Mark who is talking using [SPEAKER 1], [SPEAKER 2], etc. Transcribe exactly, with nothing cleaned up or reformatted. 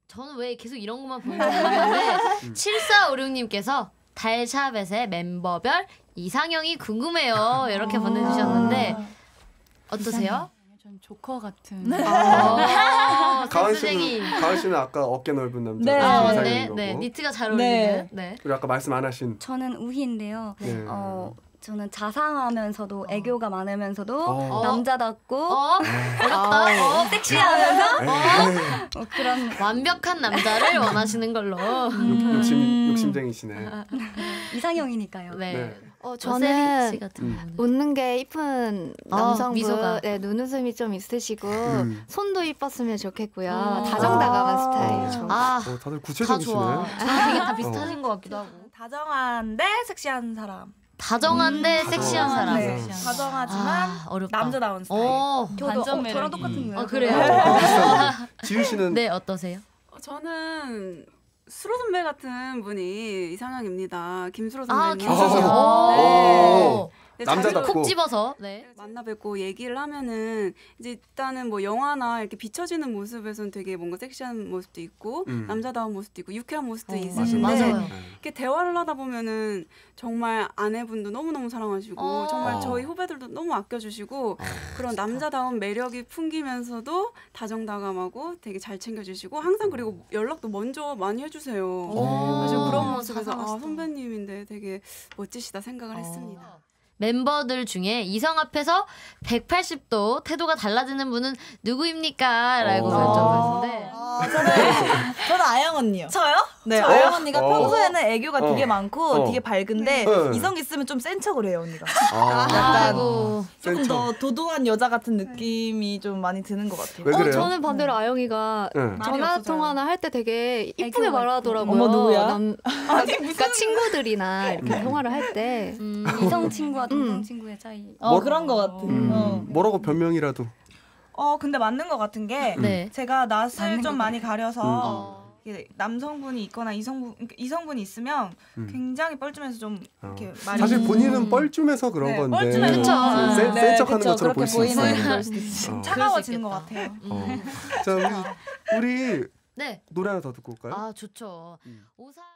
[SPEAKER 1] 저는 왜 계속 이런 것만 보는지 모르겠는데 칠사오육님께서 달샤벳의 멤버별 이상형이 궁금해요. 이렇게 보내주셨는데 어떠세요?
[SPEAKER 2] 전 조커 같은.
[SPEAKER 1] 네. 어,
[SPEAKER 3] 가은
[SPEAKER 1] 센스쟁이.
[SPEAKER 3] 씨는 가은 씨는 아까 어깨 넓은 남자.
[SPEAKER 4] 네.
[SPEAKER 1] 아,
[SPEAKER 3] 이상형인
[SPEAKER 1] 네,
[SPEAKER 3] 거고.
[SPEAKER 1] 네, 니트가 잘 어울리는.
[SPEAKER 4] 네.
[SPEAKER 1] 네.
[SPEAKER 3] 그리고 아까 말씀 안 하신.
[SPEAKER 5] 저는 우희인데요.
[SPEAKER 3] 네.
[SPEAKER 5] 어, 저는 자상하면서도 애교가 많으면서도
[SPEAKER 3] 어.
[SPEAKER 5] 남자답고
[SPEAKER 1] 어? 어렵다. 어,
[SPEAKER 5] 섹시하면서
[SPEAKER 3] 에이,
[SPEAKER 5] 어, 그런
[SPEAKER 1] 완벽한 남자를 원하시는 걸로.
[SPEAKER 3] 욕, 욕심 욕심쟁이시네.
[SPEAKER 5] 이상형이니까요.
[SPEAKER 1] 네.
[SPEAKER 3] 네.
[SPEAKER 6] 어,
[SPEAKER 1] 저는
[SPEAKER 6] 저는
[SPEAKER 1] 씨 같은
[SPEAKER 3] 음.
[SPEAKER 1] 분은.
[SPEAKER 6] 웃는 게 이쁜
[SPEAKER 1] 아,
[SPEAKER 6] 남성분,
[SPEAKER 1] 미소가.
[SPEAKER 6] 네, 눈웃음이 좀 있으시고
[SPEAKER 3] 음.
[SPEAKER 6] 손도 이뻤으면 좋겠고요.
[SPEAKER 1] 아.
[SPEAKER 6] 다정다감한
[SPEAKER 3] 아.
[SPEAKER 6] 스타일. 저.
[SPEAKER 1] 아,
[SPEAKER 3] 어, 다들
[SPEAKER 1] 다
[SPEAKER 3] 구체적이시네.
[SPEAKER 1] 좋아. 저랑 되게 다 비슷하신 것 같기도 하고.
[SPEAKER 7] 다정한데 섹시한 사람.
[SPEAKER 1] 다정한데
[SPEAKER 3] 음,
[SPEAKER 1] 섹시한
[SPEAKER 3] 다정한
[SPEAKER 1] 사람.
[SPEAKER 7] 네.
[SPEAKER 3] 섹시한
[SPEAKER 7] 다정하지만
[SPEAKER 1] 아, 어렵다.
[SPEAKER 7] 남자다운 스타일.
[SPEAKER 1] 오,
[SPEAKER 5] 저도
[SPEAKER 2] 반전
[SPEAKER 5] 어,
[SPEAKER 2] 매력이.
[SPEAKER 5] 저랑 똑같은 거예요.
[SPEAKER 1] 아, 그래요?
[SPEAKER 3] 어, 비슷하네. 지윤 씨는
[SPEAKER 1] 네, 어떠세요?
[SPEAKER 8] 어, 저는 수로 선배 같은 분이 이상형입니다. 김수로
[SPEAKER 1] 아,
[SPEAKER 8] 선배님.
[SPEAKER 1] 김수지.
[SPEAKER 3] 오.
[SPEAKER 1] 오.
[SPEAKER 8] 네,
[SPEAKER 3] 남자답고.
[SPEAKER 1] 콕 집어서. 네.
[SPEAKER 8] 만나 뵙고 얘기를 하면은 이제 일단은 뭐 영화나 이렇게 비춰지는 모습에서는 되게 뭔가 섹시한 모습도 있고
[SPEAKER 3] 음.
[SPEAKER 8] 남자다운 모습도 있고 유쾌한 모습도
[SPEAKER 1] 어,
[SPEAKER 8] 있으신데
[SPEAKER 1] 맞아요.
[SPEAKER 8] 이렇게 대화를 하다 보면은 정말 아내분도 너무너무 사랑하시고
[SPEAKER 1] 어.
[SPEAKER 8] 정말 저희 후배들도 너무 아껴주시고 그런 남자다운 매력이 풍기면서도 다정다감하고 되게 잘 챙겨주시고 항상 그리고 연락도 먼저 많이 해주세요. 그래서 그런 모습에서 아 선배님인데 되게 멋지시다 생각을 했습니다.
[SPEAKER 1] 멤버들 중에 이성 앞에서 백팔십 도 태도가 달라지는 분은 누구입니까? 라고
[SPEAKER 3] 어.
[SPEAKER 1] 여쭤봤는데
[SPEAKER 4] 아, 저는 저는 아영 언니요.
[SPEAKER 7] 저요?
[SPEAKER 4] 네,
[SPEAKER 7] 저요?
[SPEAKER 4] 아영 언니가
[SPEAKER 3] 어.
[SPEAKER 4] 평소에는 애교가
[SPEAKER 3] 어.
[SPEAKER 4] 되게 많고
[SPEAKER 3] 어.
[SPEAKER 4] 되게 밝은데
[SPEAKER 3] 네.
[SPEAKER 4] 이성 있으면 좀 센 척을 해요 언니가.
[SPEAKER 3] 아,
[SPEAKER 1] 아이고.
[SPEAKER 4] 조금
[SPEAKER 3] 센
[SPEAKER 4] 더 도도한 여자 같은 느낌이 좀 많이 드는 것 같아요.
[SPEAKER 3] 왜
[SPEAKER 6] 어,
[SPEAKER 3] 그래요?
[SPEAKER 6] 저는 반대로 아영이가
[SPEAKER 3] 네.
[SPEAKER 6] 전화
[SPEAKER 7] 없어서요.
[SPEAKER 6] 통화나 할 때 되게 이쁘게
[SPEAKER 5] 애교가
[SPEAKER 6] 말하더라고요.
[SPEAKER 4] 어머, 누구야?
[SPEAKER 6] 남, 그러니까 친구들이나 이렇게 통화를 할 때.
[SPEAKER 1] 음.
[SPEAKER 5] 이성 친구와 동성
[SPEAKER 6] 음.
[SPEAKER 5] 친구의 차이.
[SPEAKER 4] 어
[SPEAKER 3] 뭐-
[SPEAKER 4] 그런 것 같아.
[SPEAKER 3] 음,
[SPEAKER 4] 어.
[SPEAKER 3] 뭐라고 변명이라도.
[SPEAKER 7] 어 근데 맞는 것 같은 게
[SPEAKER 1] 네.
[SPEAKER 7] 제가 낯을
[SPEAKER 5] 맞는
[SPEAKER 7] 좀
[SPEAKER 5] 것
[SPEAKER 7] 많이 가려서
[SPEAKER 1] 어.
[SPEAKER 7] 이게 남성분이 있거나 이성분 그러니까 이성분이 있으면
[SPEAKER 3] 음.
[SPEAKER 7] 굉장히 뻘쭘해서 좀 이렇게
[SPEAKER 3] 어.
[SPEAKER 7] 말이
[SPEAKER 3] 사실 본인은
[SPEAKER 1] 음.
[SPEAKER 3] 뻘쭘해서 그런
[SPEAKER 7] 네,
[SPEAKER 3] 건데
[SPEAKER 7] 뻘쭘해서
[SPEAKER 1] 그쵸.
[SPEAKER 3] 음, 센,
[SPEAKER 4] 네,
[SPEAKER 3] 센 척하는
[SPEAKER 4] 그쵸.
[SPEAKER 3] 것처럼 볼
[SPEAKER 4] 그렇게
[SPEAKER 3] 수
[SPEAKER 4] 보이는
[SPEAKER 3] 있어요.
[SPEAKER 4] 걸 수도 있어.
[SPEAKER 3] 어.
[SPEAKER 7] 차가워지는 것
[SPEAKER 1] 그럴 수
[SPEAKER 7] 같아요.
[SPEAKER 1] 음.
[SPEAKER 3] 자 우리, 우리
[SPEAKER 1] 네.
[SPEAKER 3] 노래 하나 더 듣고 올까요?
[SPEAKER 1] 아, 좋죠.
[SPEAKER 3] 음.
[SPEAKER 1] 오사